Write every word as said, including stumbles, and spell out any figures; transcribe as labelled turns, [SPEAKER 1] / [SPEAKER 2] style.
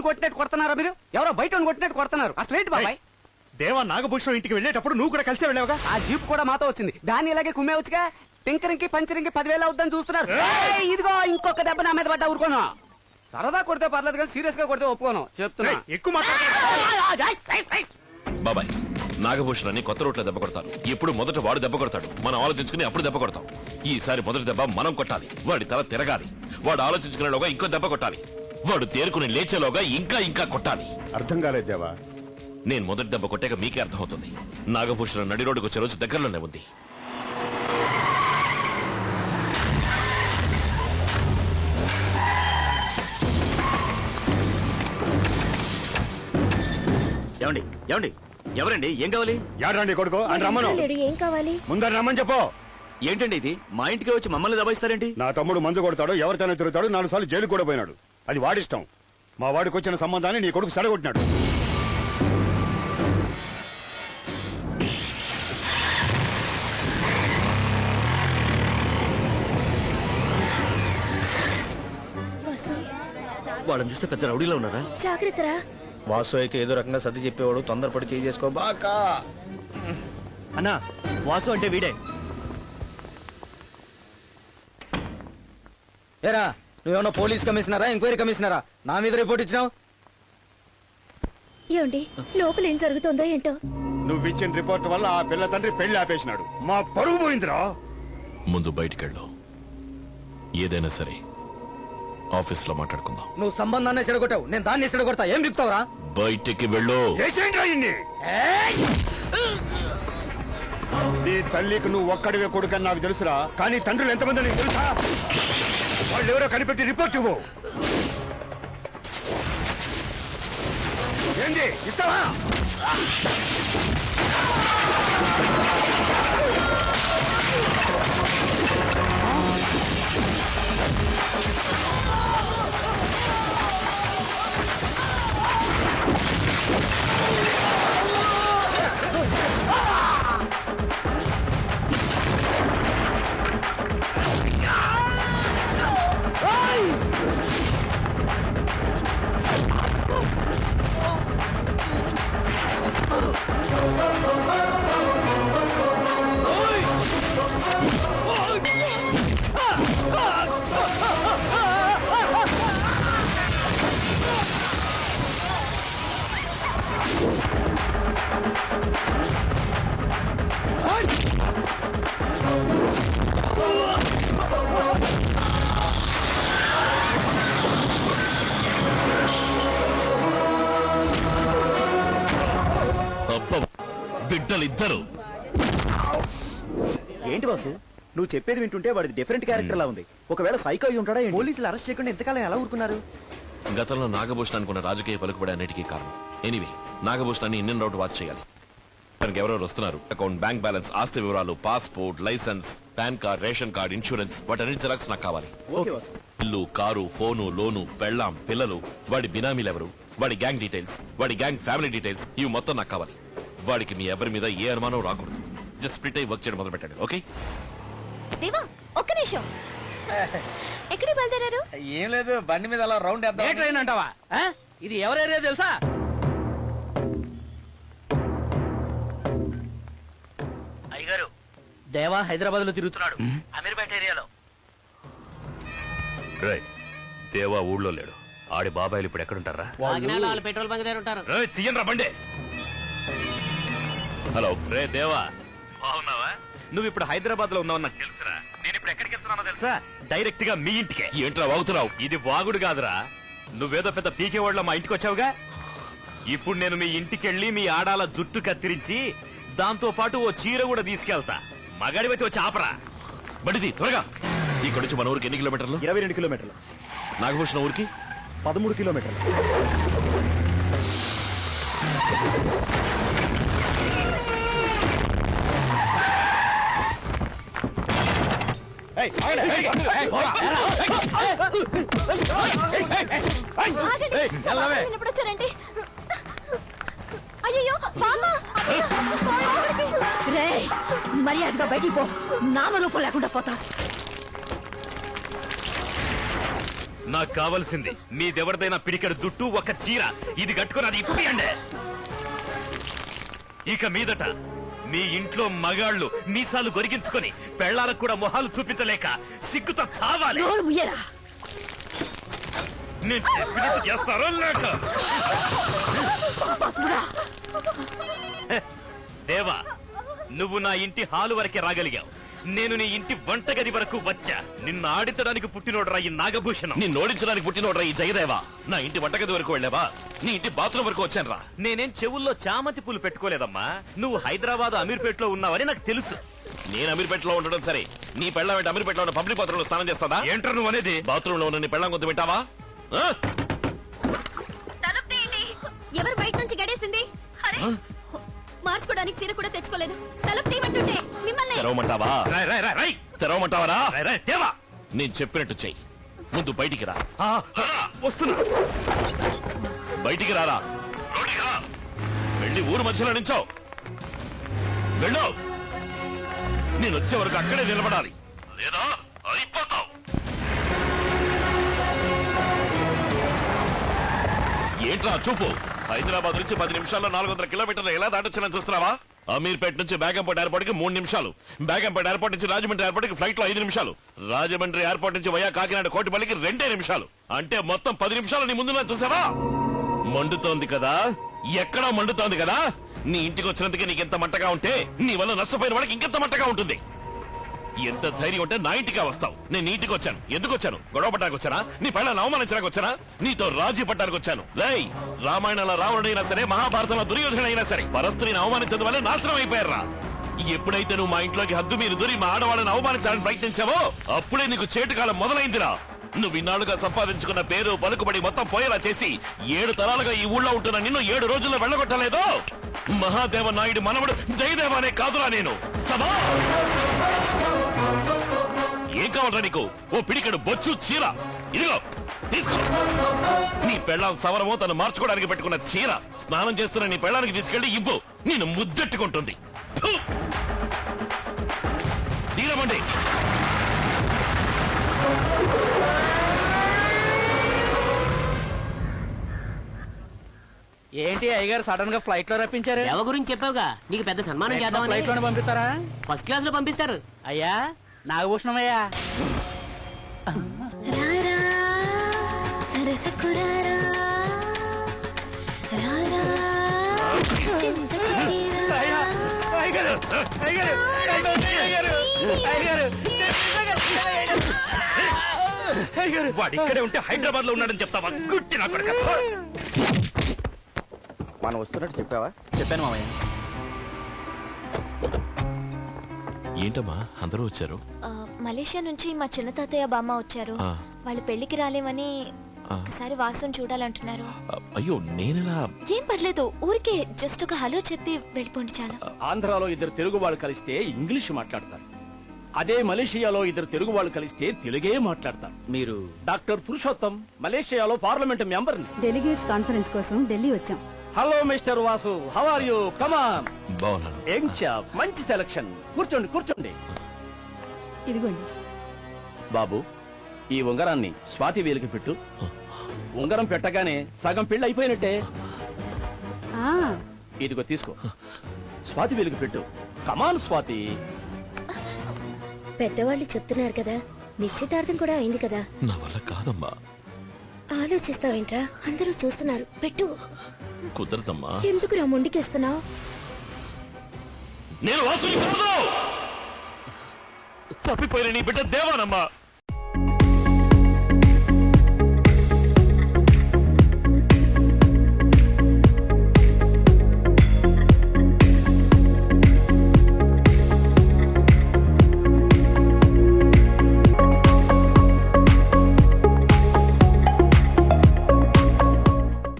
[SPEAKER 1] కొట్టినట్టు కొడుతున్నారా మీరు? ఎవరో బయట కొట్టినట్టు కొడుతున్నారు. అసలు ఏంటి బాబాయ్?
[SPEAKER 2] దేవా నాగభూషణం ఇంటికి వెళ్ళేటప్పుడు నువ్వు కూడా కలిసి వెళ్ళావుగా.
[SPEAKER 1] ఆ జీప్ కూడా మాతో వచ్చింది. దాన్ని ఇలాగే కుమ్మేవచ్చుగా. టింకరింగ్ పంచరింగ్ పదివేలు అవుద్దని చూస్తున్నారు. ఇదిగో ఇంకొక దెబ్బ నా మీద పడ్డా ఊరుకోను. సరదా కొడితే పర్లేదు కానీ సీరియస్ గా కొడితే ఒప్పుకోను చెప్తున్నా.
[SPEAKER 2] ఎక్కువ
[SPEAKER 3] బాబాయ్, నాగభూషణాన్ని కొత్త రోడ్ల దెబ్బ కొడతాను. ఇప్పుడు మొదట వాడు దెబ్బ కొడతాడు, మనం ఆలోచించుకుని అప్పుడు దెబ్బ కొడతాం. ఈసారి మొదటి దెబ్బ మనం కొట్టాలి. వాడి తల తిరగాలి. వాడు ఆలోచించుకునేలోగా ఇంకో దెబ్బ కొట్టాలి. వాడు తేరుకుని లేచేలోగా ఇంకా ఇంకా కొట్టాలి.
[SPEAKER 2] అర్థం కాలేదు దేవా.
[SPEAKER 3] నేను మొదటి దెబ్బ కొట్టాక మీకే అర్థమవుతుంది. నాగభూషణం నడి రోడ్డుకు వచ్చే రోజు దగ్గరలోనే ఉంది.
[SPEAKER 4] ఏమండి ఏమండి ఎవరండి? ఏం కావాలి?
[SPEAKER 2] యాడండి కొడుకు అని రమ్మను.
[SPEAKER 5] ఏం కావాలి?
[SPEAKER 2] ముందర రమ్మని చెప్పు.
[SPEAKER 4] ఏంటండి ఇది? మా ఇంటికి వచ్చి మమ్మల్ని దబాయిస్తారేంటి?
[SPEAKER 2] నా తమ్ముడు మందు కొడతాడు, ఎవరితోనే తిరుగుతాడు, నాలుగు సార్లు జైలు కూడా పోయినాడు. అది వాడిష్టం. మా వాడికి వచ్చిన సంబంధాన్ని నీ కొడుకు సడగొట్టినాడు.
[SPEAKER 4] వాళ్ళని చూస్తే పెద్ద రౌడీలో ఉన్నారా?
[SPEAKER 5] జాగ్రత్తరా.
[SPEAKER 6] వాసు అయితే ఏదో రకంగా సర్ది చెప్పేవాడు. తొందరపడి చేయి చేసుకో బాకా.
[SPEAKER 4] అన్నా, వాసు అంటే వీడే.
[SPEAKER 6] ఏరా, నువ్వేమన్నా పోలీస్ కమిషనరా, ఎంక్వైరీ కమిషనరా? నా మీద రిపోర్ట్ ఇచ్చినావు.
[SPEAKER 5] ఏమండి, లోపల ఏం జరుగుతుందో ఏంటో.
[SPEAKER 2] నువ్వు ఇచ్చిన రిపోర్ట్ వల్ల ఆ పిల్ల తండ్రి పెళ్లి ఆపేసినాడు. మా పరువు పోయిందిరా.
[SPEAKER 3] ముందు బయటికెళ్ళు. ఏదైనా సరే ఆఫీస్ లో మాట్లాడుకుందాం.
[SPEAKER 6] నువ్వు సంబంధాన్ని చెడగొట్టావు, నేను దాన్ని చెడగొడతా. ఏం బిక్తావురా?
[SPEAKER 3] బయటికి వెళ్ళు.
[SPEAKER 2] నీ తల్లికి నువ్వు ఒక్కడివే కొడుకని నాకు తెలుసురా, కానీ తండ్రులు ఎంతమంది నీకు తెలుసా? వాళ్ళు ఎవరో కనిపెట్టి రిపోర్ట్ ఇవ్వు. ఏంటి ఇస్తావా?
[SPEAKER 3] బిడ్డలిద్దరు.
[SPEAKER 4] ఏంటి బాసు, నువ్వు చెప్పేది వింటుంటే వాడిది డిఫరెంట్ క్యారెక్టర్ లా ఉంది. ఒకవేళ సైకో అయి ఉంటాడా? పోలీసులు అరెస్ట్ చేయకుండా ఎంతకాలం ఎలా ఊరుకున్నారు?
[SPEAKER 3] గతంలో నాగభూషణానికి ఉన్న రాజకీయ పలుకుబడి అన్నిటికీ కారణం. ఎనీవే, నాగభూషణాన్ని ఇండియన్ రౌట్ వాచ్ చేయాలి. తనకి ఎవరెవరు వస్తున్నారు, అకౌంట్, బ్యాంక్ బ్యాలెన్స్, ఆస్తి వివరాలు, passport, licence, PAN card, ration card, insurance, వాటన్నిటి జిరాక్స్ నాకు కావాలి. ఇల్లు, కారు, ఫోను, లోను, పెళ్ళాం, పిల్లలు, వాడి బినామీలెవరు, వాడి గ్యాంగ్ డీటెయిల్స్, వాడి గ్యాంగ్ ఫ్యామిలీ డీటెయిల్స్, ఇవి మొత్తం నాకు కావాలి. వాడికి మీ ఎవరి మీద ఏ అనుమానం రాకూడదు. జస్ట్ స్ప్లిట్ అయి వర్క్ చేయడం మొదలు పెట్టండి. ఓకే
[SPEAKER 5] దేవా, ఒక్క నిమిషం. ఎక్కడికి బయలుదేరారు?
[SPEAKER 6] ఏం లేదు, బండి మీద అలా రౌండ్ వేద్దాం.
[SPEAKER 1] ఏ ట్రైన్ అంటావా? ఇది ఎవరేరియా తెలుసా?
[SPEAKER 7] అయ్యగారు, దేవా హైదరాబాద్ లో తిరుగుతున్నాడు, అమీర్పేట ఏరియాలో.
[SPEAKER 3] దేవా ఊళ్ళో లేడు. ఆడి బాబాయిలు ఇప్పుడు ఎక్కడుంటారా?
[SPEAKER 7] పెట్రోల్ బంక్ దగ్గర ఉంటారు.
[SPEAKER 3] తీయండి రా బండి. హలో రే దేవా,
[SPEAKER 4] బాగున్నావా? నువ్వు ఇప్పుడు హైదరాబాద్ లో ఉన్నావు నాకు తెలుసురా. నేను ఇప్పుడు ఎక్కడికి వెళ్తున్నానో తెలుసా? డైరెక్ట్ గా మీ ఇంటికే.
[SPEAKER 3] ఏంట్రా వాగుతున్నావు?
[SPEAKER 4] ఇది వాగుడు కాదురా, నువ్వేదో పెద్ద పీకే వాళ్ళ మా ఇంటికి వచ్చావుగా. ఇప్పుడు నేను మీ ఇంటికెళ్ళి మీ ఆడాల జుట్టు కత్తిరించి దాంతో పాటు ఓ చీర కూడా తీసుకెళ్తా. మగాడి వచ్చి వచ్చి ఆపరా.
[SPEAKER 3] బండిది త్వరగా. ఇక్కడ నుంచి మన ఊరికి ఎన్ని కిలోమీటర్లు?
[SPEAKER 4] ఇరవై రెండు కిలోమీటర్లు.
[SPEAKER 3] నాగభూషణ ఊరికి
[SPEAKER 4] పదమూడు కిలోమీటర్లు.
[SPEAKER 5] ఎప్పుడు వచ్చారండి? అయ్యో, మర్యాదగా బయటికి పో, నామరూపం లేకుండా పోతా.
[SPEAKER 4] నాకు కావలసింది మీదెవరిదైనా పిడికెడు జుట్టు ఒక చీర ఇది కట్టుకుని అది ఇప్పియండి. ఇక మీదట మీ ఇంట్లో మగాళ్ళు మీసాలు గొరిగించుకొని పెళ్లాలకు కూడా మొహాలు చూపించలేక సిగ్గుతో చావాలి.
[SPEAKER 5] నోరు ముయ్యరా.
[SPEAKER 4] నేను చెప్పినట్టు చేస్తారో లేక? హె, దేవా, నువ్వు నా ఇంటి హాలు వరకే రాగలిగావు. నేను నీ ఇంటి వంటగది వరకు వచ్చా. నిన్ను ఆడించడానికి పుట్టినోడ్రా ఈ నాగభూషణం.
[SPEAKER 3] నిన్ను ఓడించడానికి పుట్టినోడ్రా ఈ జయదేవా. నా ఇంటి వంటగది వరకు వెళ్ళావా? నీ ఇంటి బాత్రూమ్ వరకు వచ్చాను రా.
[SPEAKER 4] నేనేం చెవుల్లో చామంతి పూలు పెట్టుకోలేదమ్మా. నువ్వు హైదరాబాద్ అమీర్పేటలో ఉన్నావని నాకు తెలుసు.
[SPEAKER 3] నేను అమీర్పేటలో ఉండడం సరే, నీ పెళ్ళం ఏంటి అమీర్పేటలో ఉన్న పబ్లిక్ బాత్రూమ్ లో స్నానం చేస్తాదా?
[SPEAKER 4] ఏంట్రా నువ్వు అనేది?
[SPEAKER 3] బాత్రూమ్ లో ఉన్న నీ పెళ్ళం కొంత వింటావా?
[SPEAKER 5] తలుపు తీయండి. ఎవరు బయట నుంచి గడేసింది? అరే, మార్చుకోవడానికి చీర కూడా తెచ్చుకోలేదు. తలుపు తీయమంటుంటే మిమ్మల్ని.
[SPEAKER 3] తెరవమంటావా?
[SPEAKER 4] రాయ్, రాయ్, రాయ్, రాయ్.
[SPEAKER 3] తెరవమంటావరా?
[SPEAKER 4] రాయ్, రాయ్, దేవా.
[SPEAKER 3] నేను చెప్పినట్టు చెయ్యి. ముందు బయటికి రా.
[SPEAKER 4] ఆ, ఆ, వస్తున్నా.
[SPEAKER 3] బయటికి రారా. రోడ్డుకి రా. వెళ్ళి ఊరు మధ్యలో నించో. వెళ్ళు. నేను వచ్చే వరకు అక్కడే నిలబడాలి, లేదా అయిపోతావు. ఏంట్రా చూపు? హైదరాబాద్ నుంచి పది నిమిషాల్లో నాలుగు వందల కిలోమీటర్లు ఎలా దాటొచ్చానని చూస్తున్నావా? అమీర్పేట నుంచి బేగంపేట ఎయిర్పోర్ట్ కి మూడు నిమిషాలు, బేగంపేట ఎయిర్పోర్ట్ నుంచి రాజమండ్రి ఎయిర్పోర్ట్ కి ఫ్లైట్ లో ఐదు నిమిషాలు, రాజమండ్రి ఎయిర్పోర్ట్ నుంచి వయా కాకినాడ కోటిపల్లికి రెండే నిమిషాలు. అంటే మొత్తం పది నిమిషాలు నీ ముందు చూసావా? మండుతోంది కదా, ఎక్కడో మండుతోంది కదా. నీ ఇంటికి వచ్చినందుకే నీకెంత మంటగా ఉంటే నీ వల్ల నష్టపోయిన వాడికి ఇంకెంత మంటగా ఉంటుంది. ఎంత ధైర్యం ఉంటే నా ఇంటికి వస్తావు. నేను ఇంటికి వచ్చాను. ఎందుకు వచ్చాను? గొడవ పట్టడానికి వచ్చానా? నీ పళ్ళని అవమానించడానికి వచ్చానా? నీతో రాజీ పట్టడానికి వచ్చాను. లై, రామాయణంలో రావణుడైనా సరే, మహాభారతంలో దుర్యోధనుడైనా సరే పరస్త్రీని అవమానించడం వల్ల నాశనం అయిపోయారా. ఎప్పుడైతే నువ్వు మా ఇంట్లోకి హద్దు మీరు దూరి మా ఆడవాళ్ళని అవమానించాలని ప్రయత్నించావో అప్పుడే నీకు చేటుకాలం మొదలైందిరా. నువ్వు ఇన్నాళ్ళుగా సంపాదించుకున్న పేరు పలుకుబడి మొత్తం పోయేలా చేసి ఏడు తరాలుగా ఈ ఊళ్ళో ఉంటున్న నిన్ను ఏడు రోజుల్లో వెళ్ళగొట్టలేదు. మహాదేవ నాయుడు మనవడు జయదేవ అనే కాదురా నేను. సభా ఏం కావాలరా నీకు? ఓ పిడికెడు బొచ్చు చీర ఇదిగో తీసుకో. నీ పెళ్ళాం సవరమో తను మార్చుకోవడానికి పెట్టుకున్న చీర స్నానం చేస్తున్న నీ పెళ్ళానికి తీసుకెళ్లి ఇవ్వు. నేను ముద్దెట్టుకుంటుంది. థు! దీనమండి.
[SPEAKER 7] ఏంటి అయ్యగారు సడన్ గా ఫ్లైట్ లో రప్పించారు?
[SPEAKER 8] దేవ గురించి చెప్పావుగా, నీకు పెద్ద సన్మానం చేద్దామని.
[SPEAKER 7] ఫ్లైట్ లోనే పంపిస్తారా?
[SPEAKER 8] ఫస్ట్ క్లాస్ లో పంపిస్తారు.
[SPEAKER 7] అయ్యా నాగభూషణమయ్యా.
[SPEAKER 5] రారా, సరసకు రారా, రారా, చింతకు తీరా.
[SPEAKER 7] అయ్యా, అయ్యగారు, అయ్యగారు, అయ్యగారు, అయ్యగారు, అయ్యగారు.
[SPEAKER 4] వాడు ఇక్కడే ఉంటే హైదరాబాద్ లో ఉన్నాడని చెప్తావా? గుట్టి నా కొడుకు.
[SPEAKER 1] మనం వస్తున్నట్టు చెప్పావా?
[SPEAKER 7] చెప్పాను మామయ్య.
[SPEAKER 3] ఏంటమ్మా అందరూ వచ్చారు?
[SPEAKER 5] ఆ, మలేషియా నుంచి మా చిన్న తాతయ్య బామ్మ వచ్చారు.
[SPEAKER 3] ఆ.
[SPEAKER 5] వాళ్ళు పెళ్లికి రాలేమని
[SPEAKER 3] ఆ.
[SPEAKER 5] ఒకసారి వాసం చూడాలంటున్నారు.
[SPEAKER 3] అ- అయ్యో నేనెలా?
[SPEAKER 5] ఏం పర్లేదు, ఊరికే జస్ట్ ఒక హలో చెప్పి వెళ్ళిపోండి చాలు.
[SPEAKER 9] ఆంధ్రాలో ఇద్దరు తెలుగు వాళ్ళు కలిస్తే ఇంగ్లీష్ మాట్లాడతారు. అదే మలేషియాలో ఇద్దరు తెలుగు వాళ్ళు కలిస్తే తెలుగే మాట్లాడతారు.
[SPEAKER 7] మీరు
[SPEAKER 9] డాక్టర్ పురుషోత్తం, మలేషియాలో పార్లమెంట్ మెంబర్ని.
[SPEAKER 10] డెలిగేట్స్ కాన్ఫరెన్స్ కోసం ఢిల్లీ వచ్చాం.
[SPEAKER 9] Hello mister Vasu, how are you? Come on.
[SPEAKER 3] బాగున్నాను.
[SPEAKER 9] యంగ్ చాప్, మంచి సెలక్షన్. కూర్చోండి కూర్చోండి.
[SPEAKER 10] ఇదిగోండి.
[SPEAKER 9] బాబు, ఈ ఉంగరాన్ని స్వాతి వేలికి పెట్టు. ఉంగరం పెట్టగానే సగం పెళ్లి అయిపోయినట్టే.
[SPEAKER 10] ఆ,
[SPEAKER 9] ఇదిగో తీసుకో. స్వాతి వేలికి పెట్టు. కమాన్ స్వాతి.
[SPEAKER 5] పెద్దవాళ్ళు చెప్తున్నారు కదా, నిశ్చితార్థం కూడా అయింది కదా.
[SPEAKER 3] నా వల్ల కాదమ్మా.
[SPEAKER 5] ఆలోచిస్తావేంట్రా? అందరూ చూస్తున్నారు, పెట్టు.
[SPEAKER 3] కుదరదమ్మా.
[SPEAKER 5] ఎందుకురా మొండికేస్తున్నావు?
[SPEAKER 3] నేను వాసుని కాదు. తప్పిపోయిన నీ బిడ్డ దేవానమ్మా.